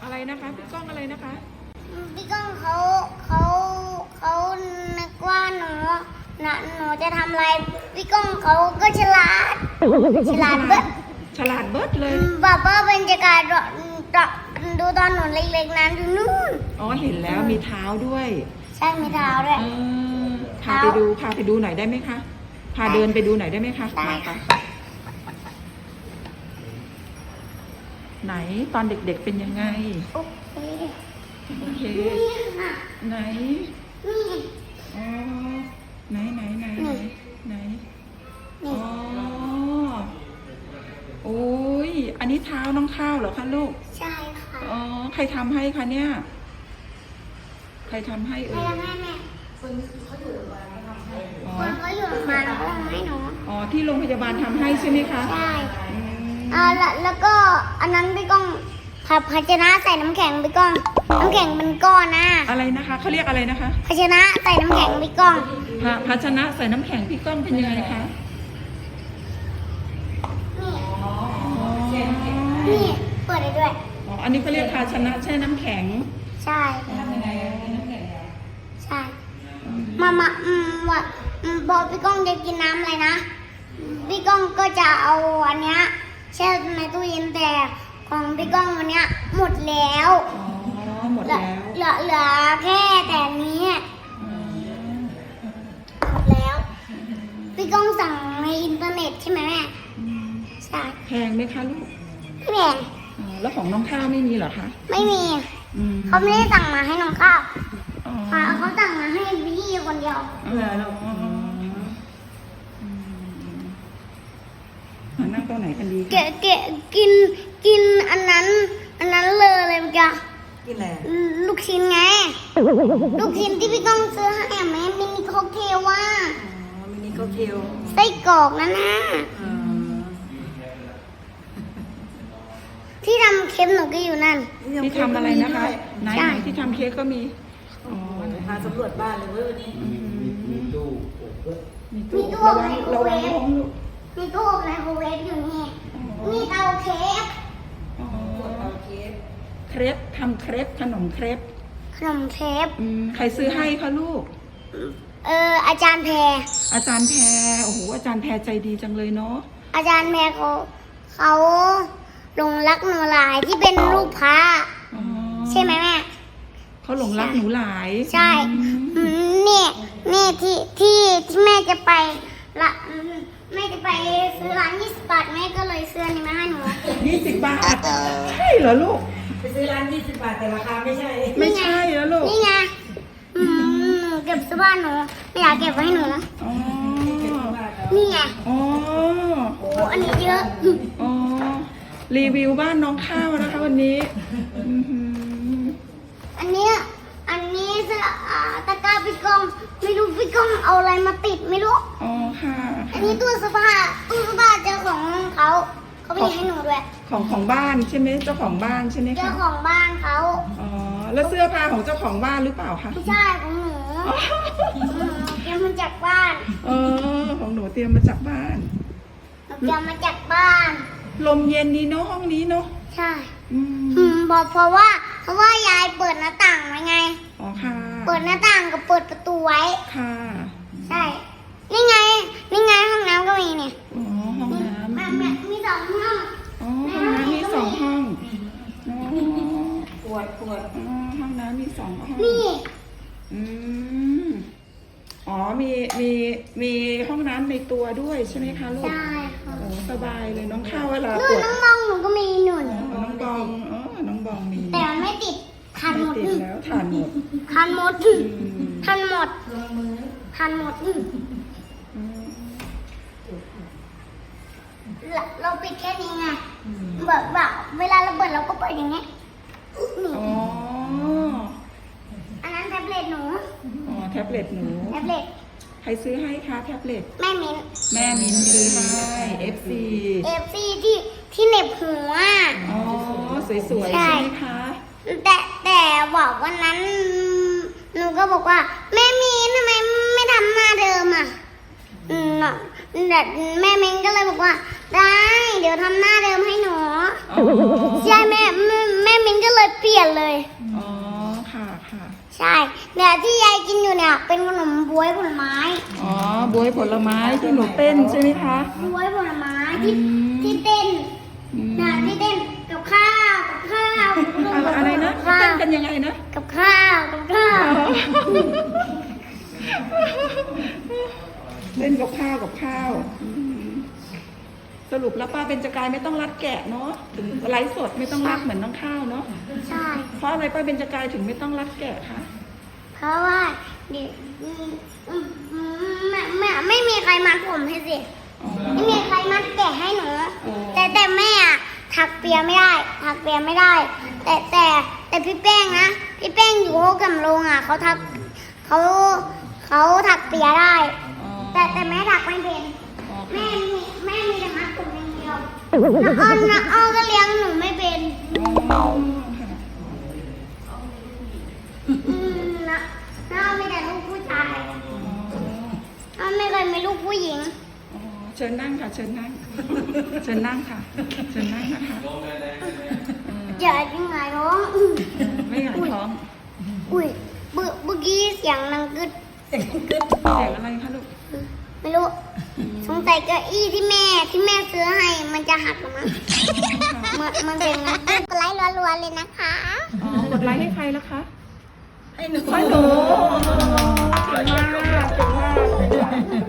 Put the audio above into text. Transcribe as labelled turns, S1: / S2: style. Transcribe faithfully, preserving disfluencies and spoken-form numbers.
S1: อะไรนะคะพี่ก้องอะไรนะคะ
S2: พี่ก้องเขาเขาเขานึกว่าหนูนะหนูจะทำอะไรพี่ก้องเขาก็ฉลาดฉลาดเบิด
S1: ฉลาดเบิดเลย
S2: บ้าบ้าเป็นจักรดูตอนหนูเล็กๆนั้นดูนู่น
S1: อ๋อเห็นแล้วมีเท้าด้วย
S2: ใช่มีเท้าด้วย
S1: พาไปดูพาไปดูหน่อยได้ไหมคะพาเดินไปดูหน่อยได้ไหมคะมาค่ะไหนตอนเด็กๆเป็นยังไง
S2: โอเค
S1: โอเคไหนอ๋อไหนไหนไหนไหนอ๋อโอ้ยอันนี้เท้าน้องข้าวเหรอคะลูก
S2: ใช่ค่ะ
S1: อ๋อใครทำให้คะเนี่ยใครทำให้เอ่ย
S2: แม่แม่คนเขาอยู่โรงพยาบาลทำให้คนเขาอยู่โรงพยาบาลเขาทำให้หนู
S1: อ๋อที่โรงพยาบาลทำให้ใช่ไหมคะ
S2: ใช่อ่าแล้วแล้วก็อันนั้นพี่ก้องภาชนะใส่น้ำแข็งพี่ก้องน้ำแข็งเป็นก้อนนะ
S1: อะไรนะคะเขาเรียกอะไรนะคะ
S2: ภาชนะใส่น้ำแข็งพี่ก้อง
S1: ภาชนะใส่น้ำแข็งพี่ก้องเป็นยังไงคะ
S2: นี่เปิดได้ด้วย
S1: อ๋ออันนี้เขาเรียกภาชนะแช่น้ำแข็ง
S2: ใช่ใช่มามาอืมว่าพอพี่ก้องจะกินน้ำอะไรนะพี่ก้องก็จะเอาอันเนี้ยแช่ในตู้เย็นแต่ของพี่ก้องวันเนี้ยหมดแล้ว
S1: อ๋อหมดแล้ว
S2: เหลือเหลือแค่แต่นี้หมดแล้วพี่ก้องสั่งในอินเทอร์เน็ตใช่ไหมแม่ใช่
S1: แพงไหมคะลูก
S2: ไม่แพง
S1: แล้วของน้องข้าวไม่มีเหรอคะ
S2: ไม่มีเขาไม่ได้สั่งมาให้น้องข้าวเขาสั่งมาให้พี่คนเดียว
S1: นั่งตัวไหนกันดี
S2: เกะเกะกินกินอันนั้นอันนั้นเลยอะไรเมื่อกี้
S1: กินอะไร
S2: ลูกชิ้นไงลูกชิ้นที่พี่ก้องซื้อให้แม่มินิค็อกเทลว่า
S1: อ๋อมินิค็อกเทล
S2: ไส้กรอกนั่นนะที่ทำเค้กหนูก็อยู่นั่น
S1: ที่ทำอะไรนะคะไหนที่ทำเค้กก็มีอ๋อพาสำรวจบ้านเลยเว้ยวันนี้มีตู้
S2: มีตู้ไมโครเวฟมีตู้ไมโครเวฟอยู่นี่มีเตาเค้ก
S1: เตาเค้กเครปทำเครปขนมเครป
S2: ขนมเครป
S1: ใครซื้อให้คะลูก
S2: เอออาจารย์แพร
S1: อาจารย์แพรโอ้โหอาจารย์แพรใจดีจังเลยเนาะ
S2: อาจารย์แพรเขาเขาหลงรักหนูหลายที่เป็นลูกพระใช่ไหมแม่
S1: เขาหลงรักหนูหลาย
S2: ใช่นี่นี่ที่ที่ที่แม่จะไปละแม่จะไปซื้อร้านยี่สิบบาทแม่ก็เลยซื้อนี่มาให้หนู
S1: ยี่สิบบาทใช่เหรอลูก
S3: ไปซื้อร้านยี่สิบบาทแต่ราคาไม่ใช่
S1: ไม่ใช่แล้วลูก
S2: นี่ไงเก็บเสื้อผ้าหนูไม่อยากเก็บไว้ให้หนูนะนี่ไง
S1: อ๋อ
S2: โอ้อันนี้เยอะ
S1: อ๋อรีวิวบ้านน้องข้าวนะคะวันนี้
S2: อันนี้อันนี้เสื้อตะกร้าพี่ก้องไม่รู้พี่ก้องเอาอะไรมาติดไม่รู้
S1: อ๋อค่ะ
S2: อันนี้ตู้เสื้อผ้าตู้เสื้อผ้าเจ้าของเขาเขาไม่ได้ให้หนูด้วย
S1: ของของบ้านใช่ไหมเจ้าของบ้านใช่ไหมคะ
S2: เจ้าของบ้านเขา
S1: อ๋อแล้วเสื้อผ้าของเจ้าของบ้านหรือเปล่าคะ
S2: ไม่ใช่ของหนูเตรียมมาจากบ้าน
S1: เออของหนูเตรียมมาจากบ้าน
S2: เตรียมมาจากบ้าน
S1: ลมเย็นดีเนาะห้องนี้เนาะ
S2: ใช่อืมบอกเพราะว่าเพราะว่ายายเปิดหน้าต่างไว้ไง
S1: อ๋อค่ะ
S2: เปิดหน้าต่างกับเปิดประตูไว้
S1: ค่ะ
S2: ใช่นี่ไงนี่ไงห้องน้ำก็มีเนี่ย
S1: อ๋อห้องน้ำ
S2: แม่แม่มีสองห้อง
S1: อ๋อห้องน้ำมีสองห้อง
S3: ปวดปวด
S1: อ๋อห้องน้ำมีสองห้อง
S2: นี่
S1: อืมอ๋อมีมีมีห้องน้ำในตัวด้วยใช่ไหมคะลูก
S2: ใช่ค่ะ
S1: โอ้สบายเลยน้องข้าวเวลาปวด
S2: น้องบองหนูก็มีหนุน
S1: น้องบองอ๋อน้องบองมี
S2: แต่ไม่ติดทันหมด
S1: แล้วทันหมด
S2: ทันหมดทันหมดทันหมดเราปิดแค่นี้ไงแบบแบบเวลาเราเปิดเราก็เปิดอย่างเงี้ย
S1: อ๋อ
S2: อันนั้นแท็บเล็ตหนู
S1: อ๋อแท็บเล็ตหนู
S2: แท็บเล็ต
S1: ใครซื้อให้คะแท็บเล็ต
S2: แม่มิ้น
S1: แม่มิ้นซื้อให้ เอฟ ซี
S2: เอฟซีที่ที่เหน็บหัว
S1: อ๋อสวยๆใช่ไหมคะ
S2: แต่แต่บอกวันนั้นหนูก็บอกว่าแม่มิ้นทำไมไม่ทำหน้าเดิมอ่ะอืมแต่แม่มิ้นก็เลยบอกว่าได้เดี๋ยวทำหน้าเดิมให้หนูใช่แม่แม่มิ้นก็เลยพิลี่ยนเลย
S1: อ๋อค่ะค่ะ
S2: ใช่เนี่ยที่ยายกินอยู่เนี่ยเป็นขนมบ๊วยผลไม้
S1: อ๋อบวยผลไม้ที่หนูเต้นใช่ไหมคะ
S2: บ๊วยผลไม้ที่
S1: อืม
S2: ที่เต้น
S1: อืม
S2: เนี่ยที่เต้นกับข้าวกับข้าว
S1: อะไรอะไรนะ
S2: ข้า
S1: เต้
S2: วน
S1: กันยังไงนะ
S2: กับข้าวกับข้าว
S1: เล่นกับข้าวกับข้าวอืมสรุปแล้วป้าเบญจกายไม่ต้องรัดแกะเนาะถึงไลฟ์สดไม่ต้องรัดเหมือนน้องข้าวเนาะ
S2: ใช่
S1: เพราะอะไรป้าเบญจกายถึงไม่ต้องรัดแกะคะ
S2: เพราะว่าเดี๋ยวอืมอืมอืมไม่ไม่ไม่มีใครมัดผมให้สิ
S1: อ๋อ
S2: ไม่มีใครมัดแกะให้หนู
S1: อ๋อ
S2: แต่แต่แม่อะถักเปียไม่ได้ ถักเปียไม่ได้ แต่แต่แต่พี่แป้งนะพี่แป้งอยู่โฮกัมลงอ่ะเขาถักเขาเขาถักเปียได้
S1: อ๋อ
S2: แต่แต่แม่ถักไม่เป็น
S1: อ๋อ
S2: แม่
S1: ค่ะ
S2: มีแม่มีแต่มัดผมอย่างเดียวน้าอ้อนน้าอ้อนก็เลี้ยงหนูไม่เป็น
S1: อ๋อค่ะ
S2: อืมนะน้าอ้อนมีแต่ลูกผู้ชายน้าอ้อนไม่เคยมีลูกผู้หญิง
S1: อ๋อเชิญนั่งค่ะ เชิญนั่ง เชิญนั่งค่ะ เชิญนั่งนะคะเออ
S2: เจะยังไงน้องอืม
S1: ไม่หงายท้อง
S2: อุ้ยเมื่อเมื่อกี้เสียงดังกึด
S1: เสียงอะไรคะลูก
S2: ไม่รู้ สงสัยเก้าอี้ที่แม่ที่แม่ซื้อให้มันจะหักหรือมั้งมันมันเป็นงั้นกดไลค์รัวๆเลยนะคะ
S1: อ๋อกดไลค์ให้ใครแล้วคะ
S3: ให้หนู
S1: ให้หนูเก่งมากเก่งมาก